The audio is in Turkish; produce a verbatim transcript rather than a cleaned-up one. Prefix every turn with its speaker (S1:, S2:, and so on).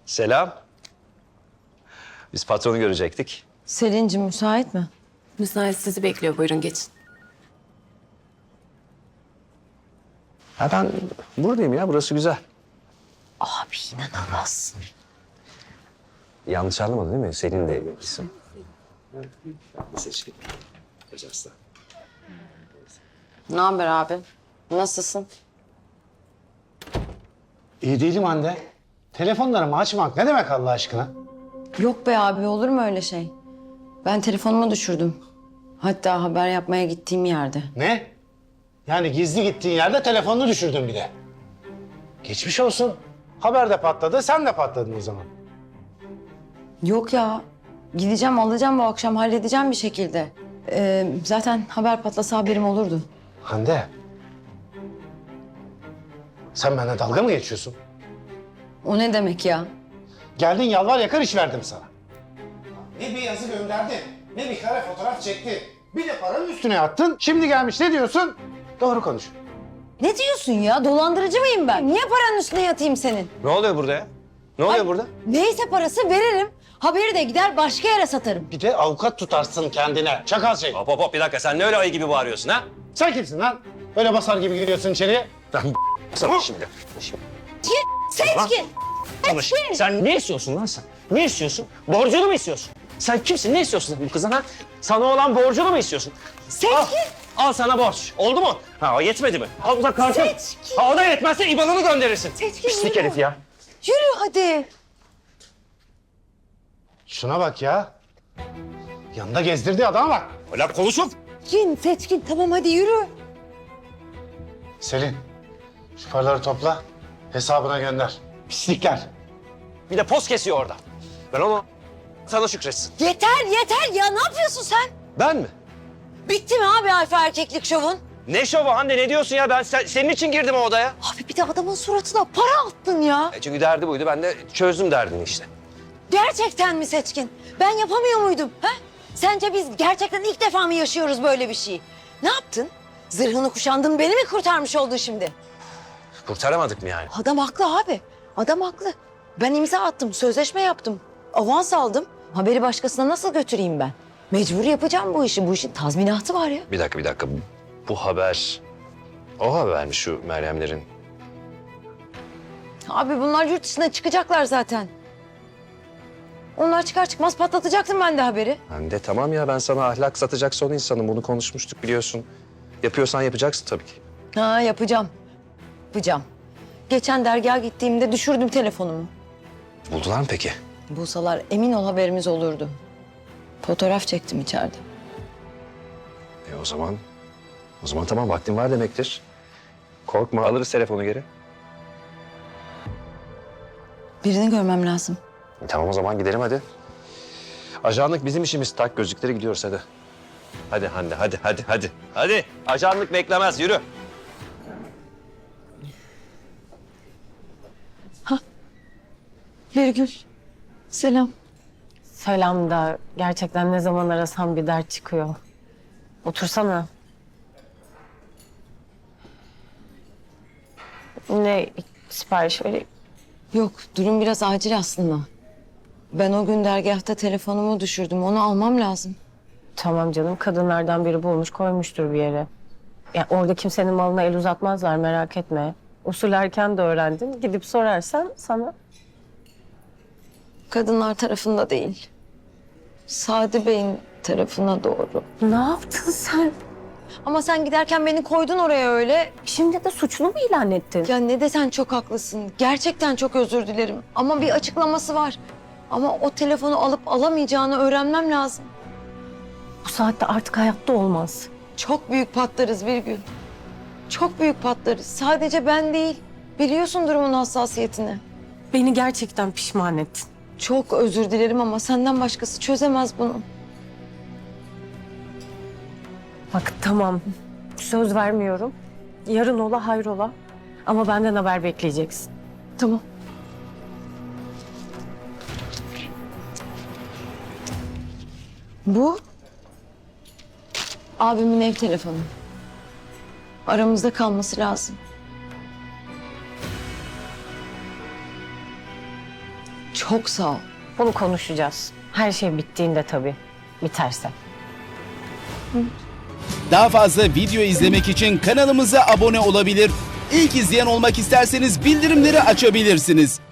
S1: Selam. Biz patronu görecektik.
S2: Selin'cim müsait mi?
S3: Müsait, sizi bekliyor. Buyurun geçin.
S1: Ha ben buradayım ya, burası güzel.
S2: Abi inanamazsın.
S1: Yanlış anlamadın değil mi? Selin de isim. Seçkin.
S2: Ne haber abi? Nasılsın?
S4: İyi değilim Hande. Telefonlarımı açmak ne demek Allah aşkına?
S2: Yok be abi, olur mu öyle şey? Ben telefonumu düşürdüm. Hatta haber yapmaya gittiğim yerde.
S4: Ne? Yani gizli gittiğin yerde telefonunu düşürdün bir de. Geçmiş olsun. Haber de patladı, sen de patladın o zaman.
S2: Yok ya. Gideceğim, alacağım bu akşam, halledeceğim bir şekilde. Ee, zaten haber patlasa haberim olurdu.
S4: Hande. Sen benimle dalga mı geçiyorsun?
S2: O ne demek ya?
S4: Geldin yalvar yakar iş verdim sana. Ne bir yazı gönderdin, ne bir kare fotoğraf çektin. Bir de paranın üstüne attın. Şimdi gelmiş ne diyorsun? Doğru konuş.
S2: Ne diyorsun ya? Dolandırıcı mıyım ben? Niye paranın üstüne yatayım senin?
S1: Ne oluyor burada ya? Ne oluyor
S2: Ay,
S1: burada?
S2: Neyse parası veririm. Haberi de gider başka yere satarım.
S4: Bir de avukat tutarsın kendine. Çakal şey.
S1: Hop hop hop, bir dakika, sen ne öyle ayı gibi bağırıyorsun ha?
S4: Sen kimsin lan? Öyle basar gibi giriyorsun içeriye.
S1: Ben sana şimdi. şimdi.
S2: Seçkin!
S5: Konuş. Sen ne istiyorsun lan sen? Ne istiyorsun? Borcunu mu istiyorsun? Sen kimsin? Ne istiyorsun bu kızdan ha? Sana olan borcunu mu istiyorsun?
S2: Seçkin!
S5: Al, al sana borç. Oldu mu? Ha o yetmedi mi? Al bu da kartın.
S2: Seçkin!
S5: Ha o da yetmezse İBAN'ını gönderirsin.
S2: Seçkin,
S5: Pislik
S2: yürü.
S5: herif ya.
S2: Yürü hadi.
S4: Şuna bak ya. Yanında gezdirdiği adama bak.
S5: Öyle konuşup.
S2: Seçkin, Seçkin tamam hadi yürü.
S4: Selin, şu paraları topla, hesabına gönder. Pislikler.
S5: Bir de poz kesiyor orada. Ben onu sana şükretsin.
S2: Yeter yeter ya, ne yapıyorsun sen?
S1: Ben mi?
S2: Bitti mi abi alfa erkeklik şovun?
S5: Ne şovu Hande, ne diyorsun ya? Ben sen- senin için girdim o odaya.
S2: Abi bir de adamın suratına para attın ya.
S1: E çünkü derdi buydu, ben de çözdüm derdini işte.
S2: Gerçekten mi Seçkin? Ben yapamıyor muydum? Ha? Sence biz gerçekten ilk defa mı yaşıyoruz böyle bir şeyi? Ne yaptın? Zırhını kuşandın, beni mi kurtarmış oldun şimdi?
S1: Kurtaramadık mı yani?
S2: Adam haklı abi. Adam haklı. Ben imza attım, sözleşme yaptım. Avans aldım. Haberi başkasına nasıl götüreyim ben? Mecbur yapacağım bu işi. Bu işin tazminatı var ya.
S1: Bir dakika bir dakika. Bu haber... O haber mi şu Meryemlerin?
S2: Abi bunlar yurt dışına çıkacaklar zaten. Onlar çıkar çıkmaz patlatacaktım ben de haberi.
S1: Ben de tamam ya, ben sana ahlak satacak son insanım. Bunu konuşmuştuk biliyorsun. Yapıyorsan yapacaksın tabii ki.
S2: Ha yapacağım. Yapacağım. Geçen dergaha gittiğimde düşürdüm telefonumu.
S1: Buldular mı peki?
S2: Bulsalar emin ol haberimiz olurdu. Fotoğraf çektim içeride.
S1: E o zaman... O zaman tamam, vaktin var demektir. Korkma, alırız telefonu geri.
S2: Birini görmem lazım.
S1: E, tamam o zaman gidelim hadi. Ajanlık bizim işimiz. Tak gözlükleri, gidiyoruz hadi. Hadi Hande, hadi, hadi, hadi. Hadi, ajanlık beklemez, yürü.
S2: Birgül. Selam.
S3: Selam da gerçekten ne zaman arasam bir dert çıkıyor. Otursana. Ne sipariş vereyim?
S2: Yok, durum biraz acil aslında. Ben o gün dergahta telefonumu düşürdüm. Onu almam lazım.
S3: Tamam canım, kadınlardan biri bulmuş koymuştur bir yere. Ya orada kimsenin malına el uzatmazlar, merak etme. Usul erken de öğrendin. Gidip sorarsan sana.
S2: Kadınlar tarafında değil. Sadi Bey'in tarafına doğru.
S3: Ne yaptın sen?
S2: Ama sen giderken beni koydun oraya öyle.
S3: Şimdi de suçlu mu ilan ettin?
S2: Ya ne desen çok haklısın. Gerçekten çok özür dilerim. Ama bir açıklaması var. Ama o telefonu alıp alamayacağını öğrenmem lazım.
S3: Bu saatte artık hayatta olmaz.
S2: Çok büyük patlarız Birgül. Çok büyük patlarız. Sadece ben değil. Biliyorsun durumun hassasiyetini.
S3: Beni gerçekten pişman ettin.
S2: Çok özür dilerim ama senden başkası çözemez bunu.
S3: Bak tamam, söz vermiyorum. Yarın ola hayrola. Ama benden haber bekleyeceksin.
S2: Tamam. Bu abimin ev telefonu. Aramızda kalması lazım. Çok sağ ol.
S3: Bunu konuşacağız. Her şey bittiğinde tabii. Biterse.
S6: Daha fazla video izlemek için kanalımıza abone olabilir. İlk izleyen olmak isterseniz bildirimleri açabilirsiniz.